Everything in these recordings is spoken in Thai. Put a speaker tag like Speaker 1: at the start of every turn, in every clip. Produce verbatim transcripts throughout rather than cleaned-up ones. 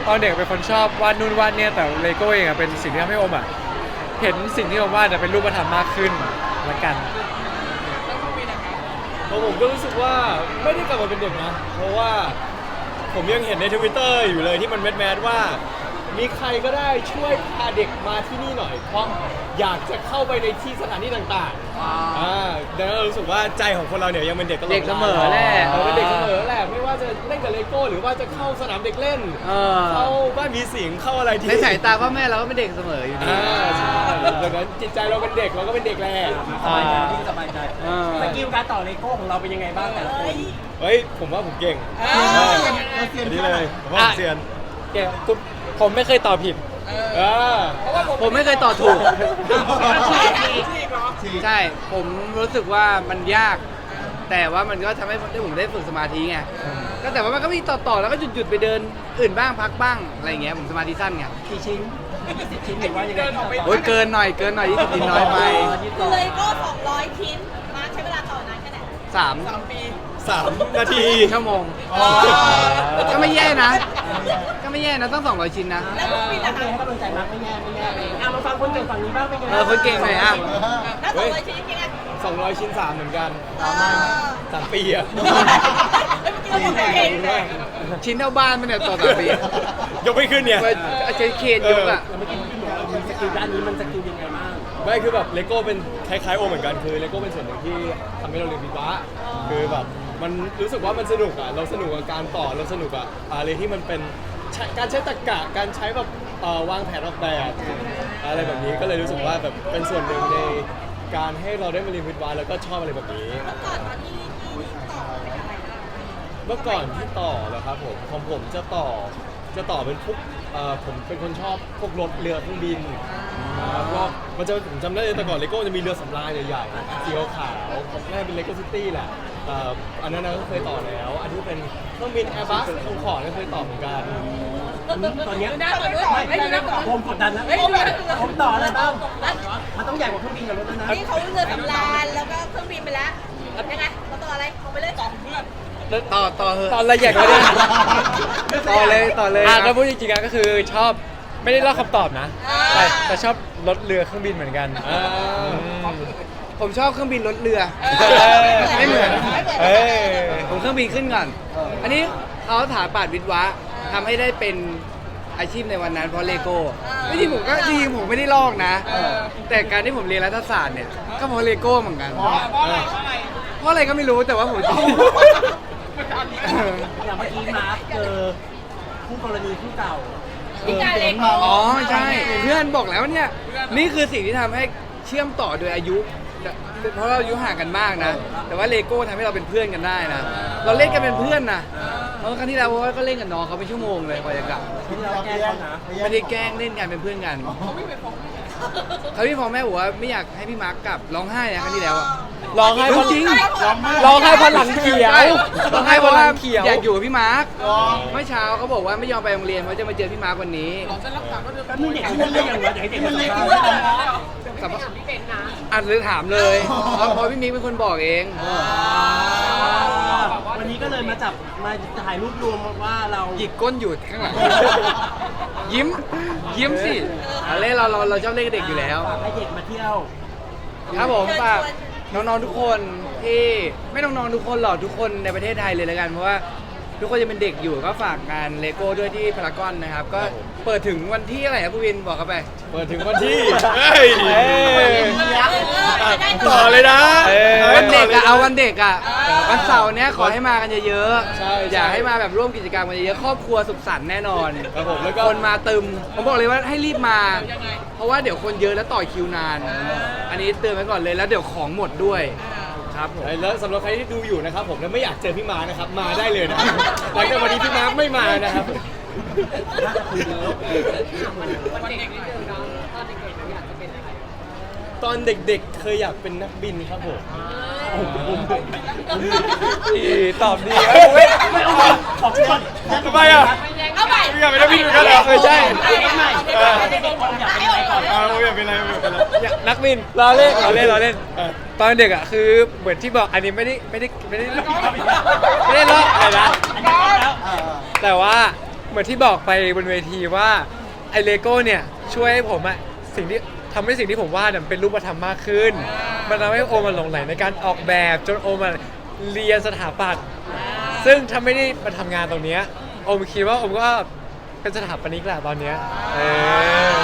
Speaker 1: ตอนเด็กเป็นคนชอบวาดนู่นวาดเนี่ยแต่เลโก้เองอะเป็นสิ่งที่ทำให้โอมอะเห็นสิ่งที่โอมวาดเป็นรูปธรรมมากขึ้นละกัน
Speaker 2: ผมก็รู้สึกว่าไม่ได้กลับมาเป็นเด็กนะเพราะว่าผมยังเห็นใน ทวิตเตอร์ อยู่เลยที่มันแมสๆว่ามีใครก็ได้ช่วยพาเด็กมาที่นี่หน่อยเพราะอยากจะเข้าไปในที่สถานที่ต่างๆอ่าดังนั้นเรารู้สึกว่าใจของคนเราเนี่ยยังเป็นเด็กตลอดเด็
Speaker 1: กเสมอแหละ
Speaker 2: เออเป็นเด็กเสมอแหละไม่ว่าจะเล่นกับเลโก้หรือว่าจะเข้าสนามเด็กเล่นเข้าบ้านมีสิงเข้าอะไรที่
Speaker 3: ในสายตาพ่อแม่เราก็เป็นเด็กเสมออยู่ดี
Speaker 2: ดังนั้นจิตใจเราเป็นเด็กเราก็เป็นเด็กแหละ
Speaker 4: สบายใจที่สบายใจสกิลการต่อเลโก้ของเราเป็นยังไงบ้างแต่ละคน
Speaker 2: เฮ้ยผมว่าผมเก่งนี่เลยผมว่าผมเซียน
Speaker 1: เก่งผมไม่เคยตอบผิด
Speaker 3: ผมไม่เคยตอบถูกใช่ผมรู้สึกว่ามันยากแต่ว่ามันก็ทำให้ผมได้ฝึกสมาธิไงก็แต่ว่ามันก็มีต่อต่อแล้วก็หยุดหยุดไปเดินอื่นบ้างพักบ้างอะไรเงี้ยผมสมาธิสั้นไง
Speaker 4: กี่ชิ้นสิบชิ้นหรือว่ายังไง
Speaker 3: โอ้ยเกินหน่อยเกินหน่อยยี่สิบชิ้นน้อยไป
Speaker 5: เลยก็สองร้อยชิ้นมาใช้เวลาต่อนานแค่ไหน
Speaker 3: สาม
Speaker 5: ปี
Speaker 2: สามนาที
Speaker 3: ชั่วโมงก็ไม่แย่นะก็ไม่แย่นะต้องสองร้อยชิ้นนะ
Speaker 5: แล้วพวกพี่ล่ะคะ
Speaker 4: ให้กำลังใจมากไม่แย่ไม่แย่เลยอ่ะมาฟังคนเก่งฝั่งนี้บ้างเป็นไง
Speaker 3: เออคนเก่งหน่อยอ่ะ
Speaker 5: แล้วสองร้อยชิ้นยังไง
Speaker 2: สองร้อยชิ้นสามเหมือนกันสามปีอะ
Speaker 3: ชิ้นเท่าบ้านมันเนี่ยต่อต่อปี
Speaker 2: ยกไม่ขึ้นเนี่ย
Speaker 3: อาจารย์เคนยกอ่ะ
Speaker 4: เมื่อกี้พี่บอกว่าสกิลด้านนี้มันสกิลยังไงบ้าง
Speaker 2: ไม่คือแบบเลโก้เป็นคล้ายๆโอเหมือนกันคือเลโก้เป็นส่วนหนึ่งที่ทำให้เราเรียนวิศวะคือแบบมันรู้สึกว่ามันสนุกอ่ะเราสนุกกับการต่อเราสนุกอ่ะอะไรที่มันเป็นการใช้ตรรกะการใช้แบบวางแผนออกแบบอะไรแบบนี้ก็เลยรู้สึกว่าแบบเป็นส่วนหนึ่งในการให้เราได้มาเรียนวิศวะแล้วก็ชอบอะไรแบบนี้เมื่อก่อนที่ต่อเหรอครับผมของผมจะต่อจะต่อเป็นพวกผมเป็นคนชอบพวกรถเรือเครื่องบินก็มันจะผมจำได้แต่ก่อนเลโก้จะมีเรือสำราญใหญ่ๆสีขาวของแม่เป็นเลโก้ซิตี้แหละอันนั้นก็เคยต่อแล้วอันที่เป็นเครื่องบินแอร์บัสของขอก็เคยต่อเหมือนกัน
Speaker 4: ตอนนี้ไม่ได้ผมกดดันนะผมต่ออะไรบ้างมันต้องใหญ่กว่าเครื่องบินกับรถนะ
Speaker 5: นี่เขาเรือสำราญแล้วก็เครื่องบินไปแล้วยังไงเขาต่ออะไรเขาไปเลยต่อเพื่อน
Speaker 3: ต่อต่อเหอะ
Speaker 1: ตอนละเอียดเลย
Speaker 3: ต่อเลยต่อเลย
Speaker 1: อ่ะถ้าพูดจริงๆก็คือชอบไม่ได้เล่าคำตอบนะแต่แต่ชอบรถเรือเครื่องบินเหมือนกัน
Speaker 3: ผมชอบเครื่องบินรถเรือไม่เหมือนผมเครื่องบินขึ้นก่อนอันนี้เขาถาปาดวิทย์วะทำให้ได้เป็นอาชีพในวันนั้นเพราะเลโก้ไม่จริงผมก็จริงผมไม่ได้ลอกนะแต่การที่ผมเรียนรัฐศาสตร์เนี่ยก็เพราะเลโก้เหมือนกันเพราะอะไรเพราะอะไรก็ไม่รู้แต่ว่าผมชอบ
Speaker 4: อย่างเมื่อกี้มาร์คเจอคู่กรณีคู่เก่า
Speaker 3: อ๋อใช่เพื่อนบอกแล้วเนี่ยนี่คือสิ่งที่ทำให้เชื่อมต่อโดยอายุเพราะเราอายุห่างกันมากนะแต่ว่าเลโก้ทำให้เราเป็นเพื่อนกันได้นะเราเล่นกันเป็นเพื่อนนะเพราะครั้งที่แล้วก็เล่นกับน้องเขาเป็นชั่วโมงเลยกว่าจะกลับไม่ได้แกล้งเล่นกันเป็นเพื่อนกันเขาพี่พ่อแม่บอกว่าไม่อยากให้พี่มาร์กกลับร้องไห้นะครั้งที่แล้ว
Speaker 1: ร้องไห้เพราะ
Speaker 3: จริง
Speaker 1: ร้องไห้เพราะหลังเขียว
Speaker 3: ร้องไห้เพราะหลังเขียวอยากอยู่กับพี่มาร์กเมื่อเช้าเขาบอกว่าไม่ยอมไปโรงเรียนเพราะจะมาเจอพี่มาร์กวันนี้
Speaker 4: แล้วมีเด็กที่เรื่องอย่างไรเด็กมันเลย
Speaker 3: กับอ่านเลยถามเลยเพราะพี่มิกเป็นคนบอกเอง
Speaker 4: วันนี้ก็เลยมาจับมาถ่ายรูปรวมว่าเรา
Speaker 3: หยิกก้นอยู่ข้างหลังยิ้มยิ้มสิอะไรเราเราเราชอบเล่นกับเด็กอยู่แล้ว
Speaker 4: ให้เด็กมาเที่ยว
Speaker 3: ครับผมฝากน้องๆทุกคนที่ไม่น้องๆทุกคนหรอกทุกคนในประเทศไทยเลยแล้วกันเพราะว่าทุกคนจะเป็นเด็กอยู่ก็ฝากงานเลโก้ด้วยที่พารากอนนะครับก็เปิดถึงวันที่อะไรครับพี่วินบอกกันไป
Speaker 2: เปิดถึงวันที่ต่อเลยนะ
Speaker 3: วันเด็กอะเอาวันเด็กอะวันเสาร์เนี้ยขอให้มากันเยอะๆอยากให้มาแบบร่วมกิจกรรมกันเยอะๆครอบครัวสุขสันต์แน่นอนคนมาตึมผมบอกเลยว่าให้รีบมาเพราะว่าเดี๋ยวคนเยอะแล้วต่อคิวนานอันนี้เตือนไว้ก่อนเลยแล้วเดี๋ยวของหมดด้วยครับผม
Speaker 2: แล้วสำหรับใครที่ดูอยู่นะครับผมแล้วไม่อยากเจอพี่มาร์นะครับมาได้เลยนะหลังจากวันนี้พี่มาร์ไม่มานะครับตอนเด็กๆเคยอยากเป็นนักบินครับผม
Speaker 1: ตอบดี
Speaker 4: ไม่เอาขอบคุณ
Speaker 2: ทำไมอ่ะ
Speaker 5: เอาไป
Speaker 2: อยากเป็นนักบินเหมือนกันเหรอ
Speaker 1: ไม่ใช่
Speaker 2: อยากเป็นอะไรอยากเป็นอะไร
Speaker 1: นักบินเราเล่นเราเล่นเราเล่นตอนเด็กอ่ะคือเหมือนที่บอกอันนี้ไม่ได้ไม่ได้ไม่ได้ไม่ได้ล้ออะไรนะแต่ว่าเหมือนที่บอกไปบนเวทีว่าไอเลโก้เนี่ยช่วยให้ผมอะสิ่งที่ทำให้สิ่งที่ผมวาดเนี่ยเป็นรูปธรรมมากขึ้น มันทำให้โอมมันหลงไหลในการออกแบบจนโอมมันเรียนสถาปัตย์ซึ่งถ้าไม่ได้มาทำงานตรงเนี้ยโอมคิดว่าโอมก็เป็นสถาปนิกแหละตอนเนี้ยเออ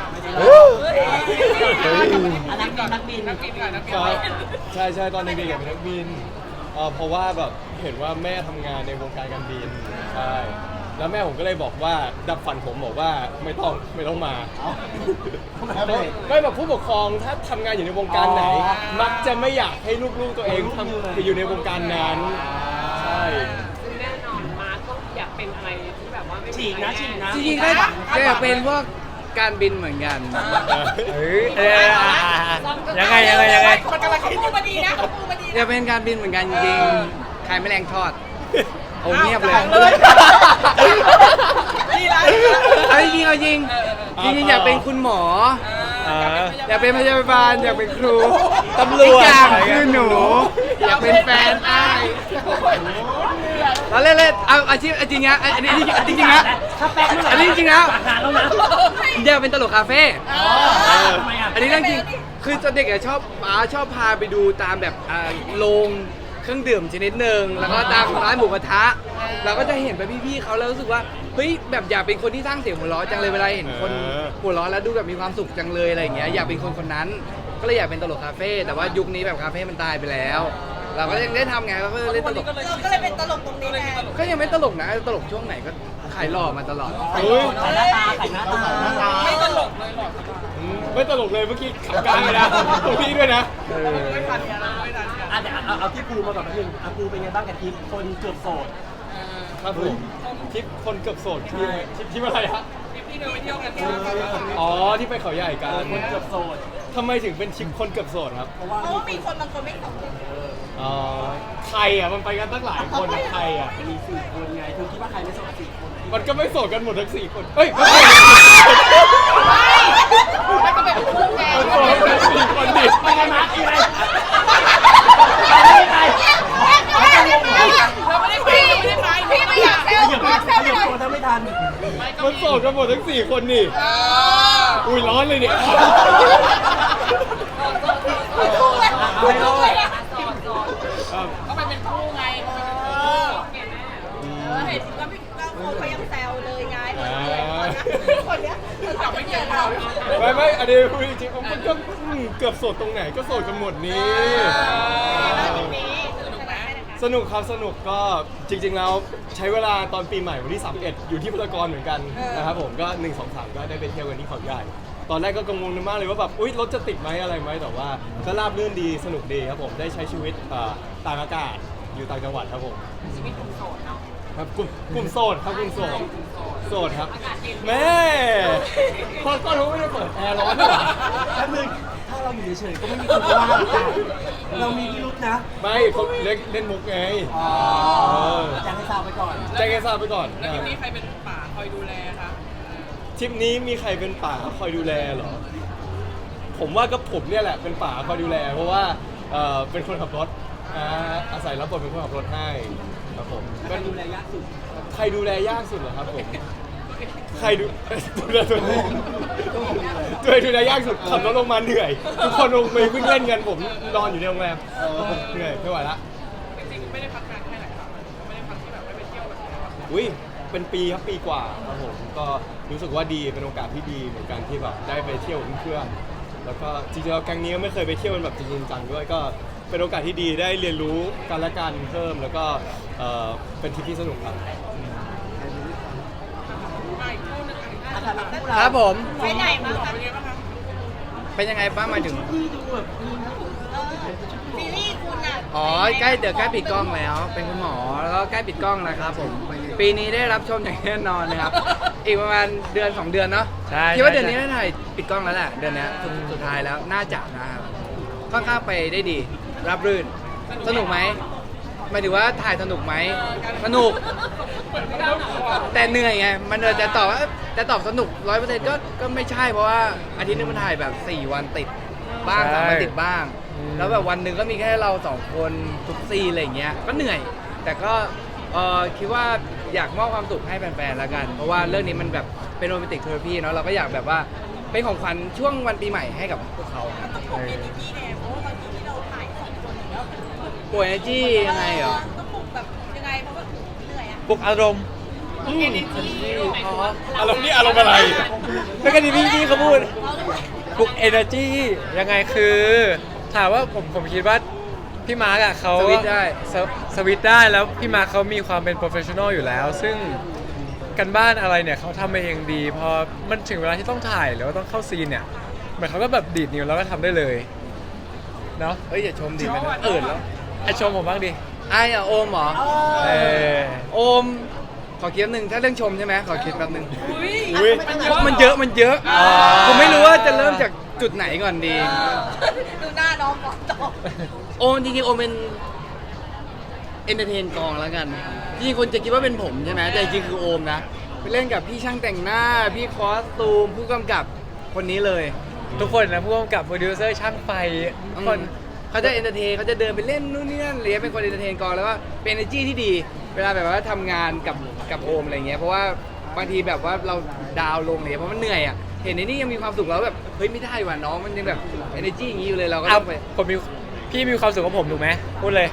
Speaker 4: อันนักบินนักบินนักบินก่อนนักบิน
Speaker 2: ครับใช่ใช่ตอนเด็กๆอยากเป็นนักบินเอ่อเพราะว่าแบบเห็นว่าแม่ทำงานในวงการการบินใช่แล้วแม่ผมก็เลยบอกว่าดับฝันผมบอกว่าไม่ต้องไม่ต้องมาไม่แบบผู้ปกครองถ้าทำงานอยู่ในวงการไหน มักจะไม่อยากให้ลูกๆตัวเองทำไปอยู่ในวงการนั้นใช่
Speaker 6: แน่นอนมาร์คต้องอยากเป็นอะไรที่แบบว่าไม่
Speaker 4: ฉีกนะฉีกนะ
Speaker 3: จริงๆก็ก็อยากเป็นพวกการบินเหมือนกัน
Speaker 1: เฮ้ยเอออ่ะยังไงยังไงยังไง
Speaker 5: มันกำลังคิดพูดมาดีนะพูดมาดี
Speaker 3: อยากเป็นการบินเหมือนกันจริงๆขายแมลงทอดโอ้เงียบเลย
Speaker 5: ดีแล้ว
Speaker 3: เอาจริงๆเอาจริงจริงๆอยากเป็นคุณหมอ
Speaker 1: อ่า
Speaker 3: อยากเป็นพยาบาลอยากเป็นครู
Speaker 1: ตำรวจ
Speaker 3: อีกอย่างคือหนู อยากเป็นแฟนอ้ายเราเล่นเล่นเอาอาชีพจริงๆนะอันนี้จริงๆนะ
Speaker 4: ถ้าแป๊กเมื่อไหร่
Speaker 3: อันนี้จริงๆแล้ว
Speaker 4: ปากหาแล้วนะ
Speaker 3: อยากเป็นตลกคาเฟ่
Speaker 4: ทำไมอ่ะ
Speaker 3: อันนี้เรื่องจริงคือตอนเด็กอะชอบป้าชอบพาไปดูตามแบบอ่าโรงเครื่องดื่มชนิดหนึ่งแล้วก็ตามร้านหมูกระทะเราก็จะเห็นไปพี่ๆเขาแล้วรู้สึกว่าเฮ้ยแบบอยากเป็นคนที่สร้างเสียงหัวเราะจังเลยเวลาเห็นคนหัวเราะแล้วดูแบบมีความสุขจังเลยอะไรอย่างเงี้ยอยากเป็นคนคนนั้น ก็เลยอยากเป็นตลกคาเฟ่แต่ว่ายุคนี้แบบคาเฟ่มันตายไปแล้ว เราก็ยังได้ทำไงเราก็เล่นตลก
Speaker 5: เราก็เลยเป็นตลกตรงนี้ไง
Speaker 3: ก็ยังไม่ตลกนะตลกช่วงไหนก็ขายหล่อมาตลอด
Speaker 4: ไข่หน้าตาไข่หน้าตา
Speaker 5: ไม่ตลก
Speaker 2: อืมไม่ตลกเลยเมื่อกี้ขับกลางเลยนะตรงนี้ด้วยนะ
Speaker 1: เออ
Speaker 4: อ่ะเดี๋ยวเอาเอาที่ปูมาก่อนแป๊บนึงอ่ะปูเป็นไงบ้างกับทีมคนเกือบโสด
Speaker 2: ครับผมทริปคนเกือบโสดที่ทริปทริปอะไรฮะ
Speaker 6: ที่เดินไปเที่ยวกัน
Speaker 2: อ๋อที่ไปเขาใหญ่กั
Speaker 4: เออน คนเกือบโสด
Speaker 2: ทำไมถึงเป็นทริปคนเกือบโสดครับ
Speaker 4: เพราะว่า
Speaker 5: เพราะว่ามีคนบางคนไม่ตก
Speaker 2: อ๋อใครอ่ะมันไปกันตั้งหลายคนอะใครอ่ะ
Speaker 4: มีสี่คนไงเธอคิดว่าใครไม่โสดสี่คนไหน
Speaker 2: มันก็ไม่โสดกันหมดทั้งสี่คนเฮ้ยไม่ใช่
Speaker 5: ไม่ก็เป็นคู่ไง
Speaker 2: มันโสดกันสี่คนดิ
Speaker 4: ไปไงมาร์คไปไง
Speaker 5: เราไม่ได้ไปไม่ได้ไปพี่ไม่อยากเซล
Speaker 4: ขยับ
Speaker 5: มาเซ
Speaker 4: ข
Speaker 5: ล
Speaker 4: ยับ
Speaker 5: เลย
Speaker 4: ตัวเธอไม่ทัน
Speaker 2: มันโสดกันหมดทั้งสี่คนนี่อุ้ยร้อนเลยเนี่ย
Speaker 5: คู่เลย
Speaker 4: เอาให้รอด
Speaker 2: ครับ
Speaker 5: ก็ไปเป็นคู่ไงเห็นก็พี่ก็คู่เขายังแซวเลยไงคนเนี้ยคนไม่เจอเรา
Speaker 2: ไม่ไม่อันนี้พูดจริงๆมันก็อืมเกือบโสดตรงไหนก็โสดกันหมดนี่ สนุกครับสนุกก็จริง ๆ แล้วใช้เวลาตอนปีใหม่วันที่สามสิบเอ็ดอยู่ที่พารากอนเหมือนกันนะครับผมก็หนึ่ง สอง สามก็ได้ไปเที่ยวกันที่เขาใหญ่ตอนแรกก็กังวลมากเลยว่าแบบอุ๊ยรถจะติดไหมอะไรไหมแต่ว่าก็ราบรื่นดีสนุกดีครับผมได้ใช้ชีวิตเอ่อต่างอากาศอยู่ต่างจังหวัดครับผมชีวิตกลุ่มโสดเนาะครับกลุ่มกลุ่มโสดครับกลุ่มโสดโสดครับแม่พอก็รู้ไม่ได้เปิดแอร์ร้อนด้วย
Speaker 4: แป๊บนึงถ้าเราอยู่เฉยๆก็ไม่มีคนว่าเราจ้ะเรามีพิรุษนะ
Speaker 2: ไม่เขาเล่นเล่นมุกไง
Speaker 4: อ๋อ
Speaker 2: เออ
Speaker 4: แจ้งให้ทราบไปก่อน
Speaker 2: แจ้งให้ทราบไปก่อน
Speaker 6: แล้วทีนี้ใครเป็นป่าคอยดูแลคะ
Speaker 2: ทริปนี้มีใครเป็นป่าคอยดูแลเหรอ ผมว่าก็ผมเนี่ยแหละเป็นป่าคอยดูแล เพราะว่าเอ่อเป็นคนขับรถอ่าอาศัยรับบทเป็นคนขับรถให้ครับผม
Speaker 4: ใครดูแลยากสุด
Speaker 2: ใครดูแลยากสุดเหรอครับผม ใครดู ดูแลตัวเองตัวเองดูแลยากสุดขับรถลงมาเหนื่อย ทุกคนลงไปวิ่งเล่นกันผมนอนอยู่ในโรงแรมเหนื่อยไม่ไหวละ
Speaker 6: จริงๆไม่ได้พักงานแค่ไหนครับไม่ได้พักที่แบบไม่ไปเที่ยวแบบไหนครับ
Speaker 2: อุ้ยเป็นปีครับปีกว่าครับผมก็รู้สึกว่าดีเป็นโอกาสที่ดีเหมือนกันที่แบบได้ไปเที่ยวกับเพื่อนๆแล้วก็จริงๆแล้วแก๊งนี้ก็ไม่เคยไปเที่ยวกันแบบจริงๆจังด้วยก็เป็นโอกาสที่ดีได้เรียนรู้กันและกันเพิ่มแล้วก็เอ่อเป็นทริปที่สนุกครับ
Speaker 4: อาถรรพ์คู่เรา
Speaker 3: ครับผม
Speaker 5: ไปไหนมาคะ
Speaker 3: เป็นยังไงบ้างหมายถึง
Speaker 4: ที่ดูแบบมีนะ
Speaker 5: ซีรีส์คุณอ่ะ
Speaker 3: อ๋อใกล้เดี๋ยวใกล้ปิดกล้องแล้ว เป็นคุณหมอแล้วก็ใกล้ปิดกล้องแล้วครับผมปีนี้ได้รับชมอย่างแน่นอนนะครับ อีกประมาณเดือนสองเดือนเนาะ
Speaker 1: ใช่
Speaker 3: คิดว่า
Speaker 1: ใช่
Speaker 3: เดือนนี้ได้ถ่ายปิดกล้องแล้วแหละเดือนเนี้ยสุดสุดท้ายแล้วน่าจะนะครับค่อนข้างไปได้ดี รับรื่นสนุกไหมหมายถึงว่าถ่ายสนุกไหมสนุก แต่เหนื่อยไงมันจะตอบว่าจะตอบสนุกร้อยเปอร์เซ็นต์ก็ก็ไม่ใช่เพราะว่าอาทิตย์นึงมันถ่ายแบบสี่วันติดบ้าง
Speaker 1: ใช่
Speaker 3: สามวันติดบ้าง
Speaker 1: อืม
Speaker 3: แล้วแบบวันหนึ่งก็มีแค่เราสองคนทุกซีนอะไรอย่างเงี้ยก็เหนื่อย แต่ก็เออคิดว่าอยากมอบความสุขให้แฟนๆละกัน เพราะว่าเรื่องนี้มันแบบเป็นโรแมนติกเทอราพีเนาะเราก็อยากแบบว่าเป็นของขวัญช่วงวันปีใหม่ให้กับพวกเขา
Speaker 5: ต้องปลุกเอเนจีไงเพราะว่าบางทีที่เราถ่ายสองคนอย่างเงี้ย
Speaker 3: ป่วยเอเนจียังไงเหรอ
Speaker 5: ต้องปลุกแบบยังไงเพราะว่าเหนื่อยอ่ะ
Speaker 1: ปลุกอารมณ์
Speaker 3: อืม
Speaker 1: อ๋อ
Speaker 2: อารมณ์นี่อารมณ์อะไร
Speaker 1: ไม่กันดีพี่พี่เขาพูดปลุก energy ยังไงคือ ถามว่าผมผมคิดว่าพี่มาร์กอะเขา
Speaker 3: สวิตช์ได้
Speaker 1: สวสวิตช์ได้แล้วพี่มาร์กเขามีความเป็น professional อยู่แล้ว ซึ่งกันบ้านอะไรเนี่ยเขาทำมาเองดี พอมันถึงเวลาที่ต้องถ่ายหรือว่าต้องเข้าซีนเนี่ยเหมือนเขาก็แบบดีดนิ้วแล้วก็ทำได้เลยเนาะ
Speaker 3: เฮ้ยอย่าชมดิมันเอิดแล้ว
Speaker 1: ไอชมผมบ้างดิ
Speaker 3: ไอ้อะโอมเหรอ
Speaker 1: เออ
Speaker 3: โอม ขอคิดแป๊บนึงถ้าเรื่องชมใช่ไหมขอคิดแป๊บนึง
Speaker 2: อุ้ย
Speaker 3: เพราะมันเยอะมันเยอะ
Speaker 1: อ๋อ
Speaker 3: ผมไม่รู้ว่าจะเริ่มจากจุดไหนก่อนดี
Speaker 5: ดูหน้าน้องก่อนตอบ
Speaker 3: โอมจริงๆโอมเป็นเอนเตอร์เทนกองแล้วกันจริงๆคนจะคิดว่าเป็นผมใช่ไหมแต่จริงๆคือโอมนะไปเล่นกับพี่ช่างแต่งหน้า พี่คอสตูม ผู้กำกับคนนี้เลย
Speaker 1: ทุกคนนะผู้กำกับโปรดิวเซอร์ช่างไฟทุกคน
Speaker 3: เขาจะเอนเตอร์เทนเขาจะเดินไปเล่นนู่นนี่นั่นเลยเป็นคนเอนเตอร์เทนกองแล้วก็เป็น energy ที่ดี เวลาแบบว่าทำงานกับกับโอมอะไรเงี้ยเพราะว่าบางทีแบบว่าเราดาวน์ลงเลยเพราะมันเหนื่อยอ่ะเห็นในนี่ยังมีความสุขแล้วแบบเฮ้ยไม่ได้ว่ะน้องมันยังแบบ energy อย่างนี้อยู่เลยเราก็
Speaker 1: เอา
Speaker 3: ต้องไป
Speaker 1: ผมมีพี่มีความสุขกับผมถูกไหมพูดเลย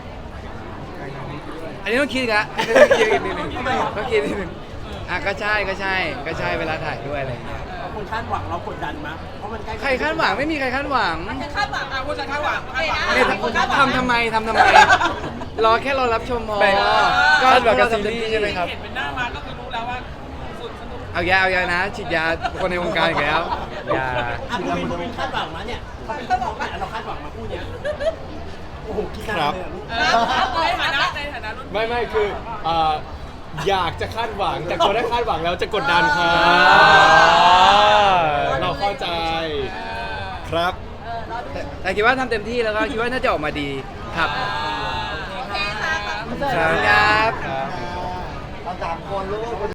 Speaker 3: อันนี้ต้องคิดอีกละอันนี้ต้องคิดอีกนิดนึงต้องคิดนิดนึงอ่ะก็ใช่ก็ใช่ก็ใช่เวลาถ่ายด้วยอะไรอย่างเงี้ย
Speaker 4: คนคาดหวังเรากดดันมั้ยเพราะมันใกล้
Speaker 3: ใครคาดหวังไม่มีใครคาดหวัง
Speaker 5: จะคาดหวัง
Speaker 6: อ่ะผู้ชายคาดหวังคาดหวัง
Speaker 3: เนี่ยทำทำไมทำทำไม รอแค่รอรับชมพอ
Speaker 1: แบ่ง
Speaker 3: ก็
Speaker 1: คาดหวังกับ
Speaker 3: เาทำเต็
Speaker 1: ซีรีส์ใช่ไหมครับ
Speaker 6: เห็นเป็นหน้ามาก็คือรู้แล้วว่าสุดสนุก
Speaker 3: เอาแย่เอาแย่นะฉีดยาคนในวงการอีกแล้ว
Speaker 1: อย่า
Speaker 4: อ่ะเราเป็นคนคาดหวังมั้ยเนี่ยเขาเป็นคนบอกว่าเราคาดหวังมาพูดเนี้ยโอ้โหคิดนานเลยอะลูก
Speaker 6: เออในฐานะในฐานะรุ่น
Speaker 2: ไม่ไม่คือเอ่ออยากจะคาดหวังแต่พอได้คาดหวังแล้วจะกดดันครับ
Speaker 1: อ่า
Speaker 2: เราเข้าใจครับ
Speaker 5: เออรอดู
Speaker 3: แต่แต่คิดว่าทำเต็มที่แล้วก็คิดว่าน่าจะออกมาดีครับ
Speaker 5: โอเคค่ะ
Speaker 3: ครับ
Speaker 1: ครับ
Speaker 3: เราสามคนลูก